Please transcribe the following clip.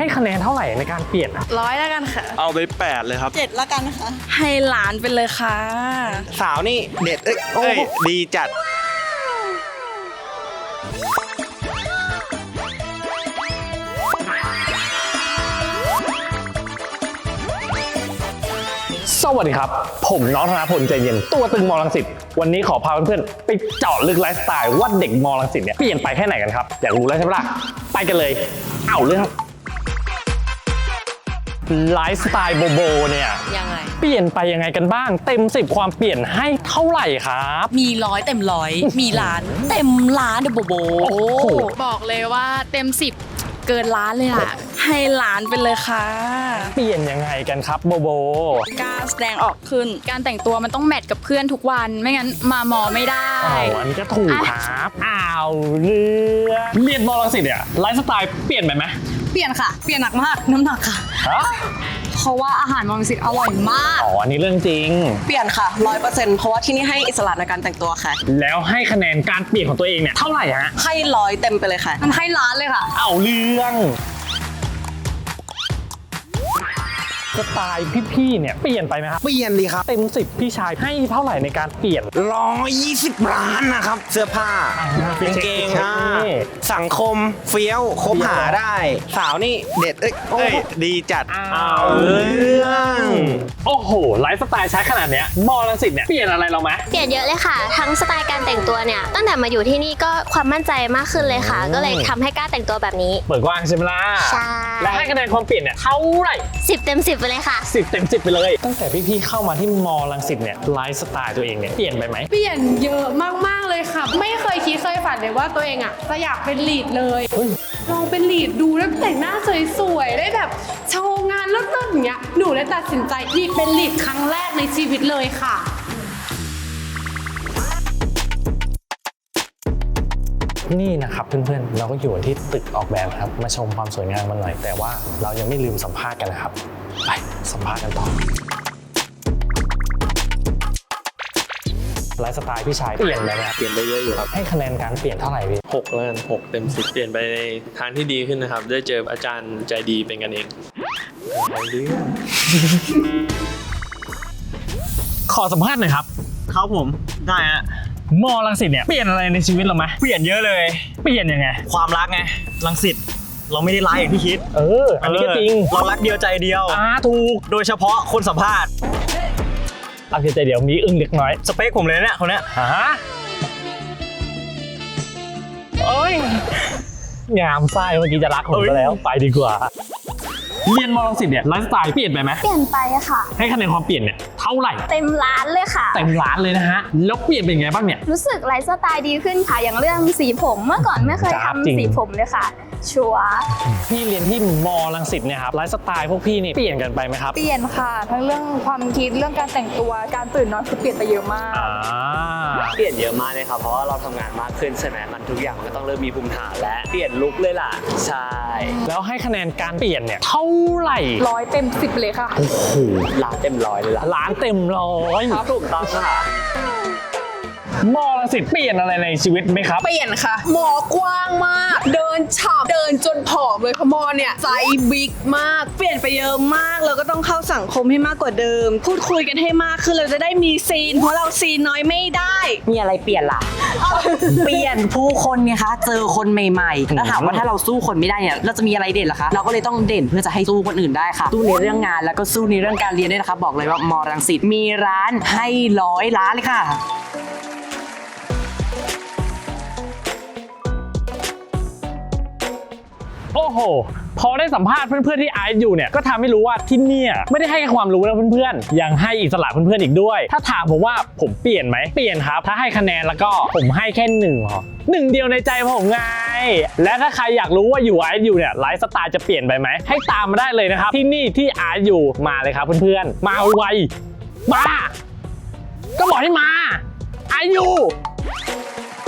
ให้คะแนนเท่าไหร่ในการเปลี่ยน 100แล้วกันค่ะเอาไป8เลยครับ 7แล้วกันนะคะให้ล้านไปเลยค่ะสาวนี่เด็ดดีจัดสวัสดีครับผมน้องธนพลใจเย็นตัวตึงมอรังสิตวันนี้ขอพาเพื่อนๆไปเจาะลึกไลฟ์สไตล์ว่าเด็กมอรังสิตเนี่ยเปลี่ยนไปแค่ไหนกันครับอยากรู้แล้วใช่ไหมล่ะไปกันเลยเอาเรื่องไลฟ์สไตล์โบโบเนี่ยยังไงเปลี่ยนไปยังไงกันบ้างเต็ม10ความเปลี่ยนให้เท่าไหร่ครับมี100เต็ม100มีล้านเต็มล้านเดอะโบโบบอกเลยว่าเต็ม10เกินล้านเลยอะให้ล้านไปเลยค่ะเปลี่ยนยังไงกันครับโบโบการแสดงออกขึ้นการแต่งตัวมันต้องแมทกับเพื่อนทุกวันไม่งั้นมาหมอไม่ได้อันนี้ก็ถูกครับเรียนมอรังสิตเนี่ยไลฟ์สไตล์เปลี่ยนไปไหมเปลี่ยนค่ะเปลี่ยนหนักมากน้ำหนักค่ะเพราะว่าอาหารมอรังสิตอร่อยมากอันนี้เรื่องจริงเปลี่ยนค่ะ 100% เพราะว่าที่นี่ให้อิสระในการแต่งตัวค่ะแล้วให้คะแนนการเปลี่ยนของตัวเองเนี่ยเท่าไหร่ฮะให้100เต็มไปเลยค่ะมันให้ล้านเลยค่ะเอาเรื่องสไตล์พี่ๆเนี่ยเปลี่ยนไปไหมครับเปลี่ยนดีครับเต็ม10พี่ชายให้เท่าไหร่ในการเปลี่ยน 120 ล้านนะครับเสื้อผ้ากางเกงสังคมเฟี้ยวคบหาได้สาวนี่เด็ดดีจัดเอาเรื่องโอ้โหไลฟ์สไตล์ใช้ขนาดเนี้ยมอรังสิตเนี่ยเปลี่ยนอะไรเราไหมเปลี่ยนเยอะเลยค่ะทั้งสไตล์การแต่งตัวเนี่ยตั้งแต่มาอยู่ที่นี่ก็ความมั่นใจมากขึ้นเลยค่ะก็เลยทำให้กล้าแต่งตัวแบบนี้เปิดกว้างใช่ไหมล่ะใช่และให้คะแนนความเปลี่ยนเนี่ยเท่าไหร่ 10 เต็ม 10ไปเลยค่ะ 10 เต็ม 10ไปเลยตั้งแต่พี่ๆเข้ามาที่มอรังสิตเนี่ยไลฟ์สไตล์ตัวเองเนี่ยเปลี่ยนไปไหมเปลี่ยนเยอะมากๆเลยค่ะไม่เคยคิดเคยฝันเลยว่าตัวเองอ่ะจะอยากเป็นลีดเลยลองเป็นลีดดูแล้วแต่งหน้าสวยๆได้แบบโชว์งานเลิศๆอย่างเงี้ยหนูเลยตัดสินใจที่เป็นลีดครั้งแรกในชีวิตเลยค่ะนี่นะครับเพื่อนๆเราก็อยู่ที่ตึกออกแบบครับมาชมความสวยงามมันหน่อยแต่ว่าเรายังไม่ลืมสัมภาษณ์กันนะครับไปสัมภาษณ์กันต่อไลฟ์สไตล์พี่ชายเปลี่ยนไปไหมครับเปลี่ยนไปเยอะอยู่ครับให้คะแนนการเปลี่ยนเท่าไหร่พี่ 6แล้วกัน6เต็ม10เปลี่ยนไปในทางที่ดีขึ้นนะครับได้เจออาจารย์ใจดีเป็นกันเองขอสัมภาษณ์หน่อยครับครับผมได้ฮะมอรังสิตเนี่ยเปลี่ยนอะไรในชีวิตเราไหมเปลี่ยนเยอะเลยเปลี่ยนยังไงความรักไงรังสิตเราไม่ได้ร้ายอย่างที่คิดอันนี้ก็จริงเรารักเดียวใจเดียวถูกโดยเฉพาะคนสัมภาษณ์รักเดียวใจเดียวมีอึ้งเล็กน้อยสเปคผมเลยเนี่ยคนเนี้ยงามไส้เมื่อกี้จะรักผมก็แล้วไปดีกว่าเรียนมอรังสิตเนี่ยไลฟ์สไตล์เปลี่ยนไปไหมเปลี่ยนไปค่ะให้คะแนนความเปลี่ยนเนี่ยเท่าไหร่เต็มล้านเลยค่ะเต็มล้านเลยนะฮะแล้วเปลี่ยนเป็นไงบ้างเนี่ยรู้สึกไลฟ์สไตล์ดีขึ้นค่ะอย่างเรื่องสีผมเมื่อก่อนไม่เคยทำสีผมเลยค่ะชัวร์พี่เรียนที่มอรังสิตเนี่ยครับไลฟ์สไตล์พวกพี่นี่เปลี่ยนกันไปไหมครับเปลี่ยนค่ะทั้งเรื่องความคิดเรื่องการแต่งตัวการตื่นนอนคือเปลี่ยนไปเยอะมากเปลี่ยนเยอะมากเลยครับเพราะว่าเราทำงานมากขึ้นใช่ไหมมันทุกอย่างมันก็ต้องเริ่มมีภูมิฐานและเปลี่ยนลุคเลยล่ะใช่แล้วให้คะแนนการเปลี่ยนเนี่ยเท่าไหร่ 100 เต็ม 10เลยค่ะโอ้โหล้านเต็ม100เลยล่ะล้านเต็ม100 ครับถูกต้องค่ะมอรังสิตเปลี่ยนอะไรในชีวิตไหมครับเปลี่ยนค่ะมอกว้างมากเดินฉับเดินจนผอมเลยค่ะมอเนี่ยไซส์บิ๊กมากเปลี่ยนไปเยอะมากเราก็ต้องเข้าสังคมให้มากกว่าเดิมพูดคุยกันให้มากขึ้นเราจะได้มีซีนเพราะเราซีนน้อยไม่ได้มีอะไรเปลี่ยนล่ะ เปลี่ยนผู้คนไงคะเจอคนใหม่ๆแล้วถามว่าถ้าเราสู้คนไม่ได้เนี่ยเราจะมีอะไรเด่นล่ะคะเราก็เลยต้องเด่นเพื่อจะให้สู้คนอื่นได้ค่ะสู้ในเรื่องงานแล้วก็สู้ในเรื่องการเรียนด้วยนะคะบอกเลยว่ามอรังสิตมีร้านให้100 ล้านเลยค่ะโอ้โหพอได้สัมภาษณ์เพื่อนๆที่ไอซ์อยู่เนี่ยก็ทำให้รู้ว่าที่นี่ไม่ได้ให้แค่ความรู้นะเพื่อนๆยังให้อิสระเพื่อนๆอีกด้วยถ้าถามผมว่าผมเปลี่ยนไหมเปลี่ยนครับถ้าให้คะแนนแล้วก็ผมให้แค่1เดียวในใจผมไงและถ้าใครอยากรู้ว่าอยู่ไอซ์อยู่เนี่ยไลฟ์สไตล์จะเปลี่ยนไปไหมให้ตามมาได้เลยนะครับที่นี่ที่ไอซ์อยู่มาเลยครับเพื่อนๆมาไวมาก็บอกให้มาไอซ์อยู่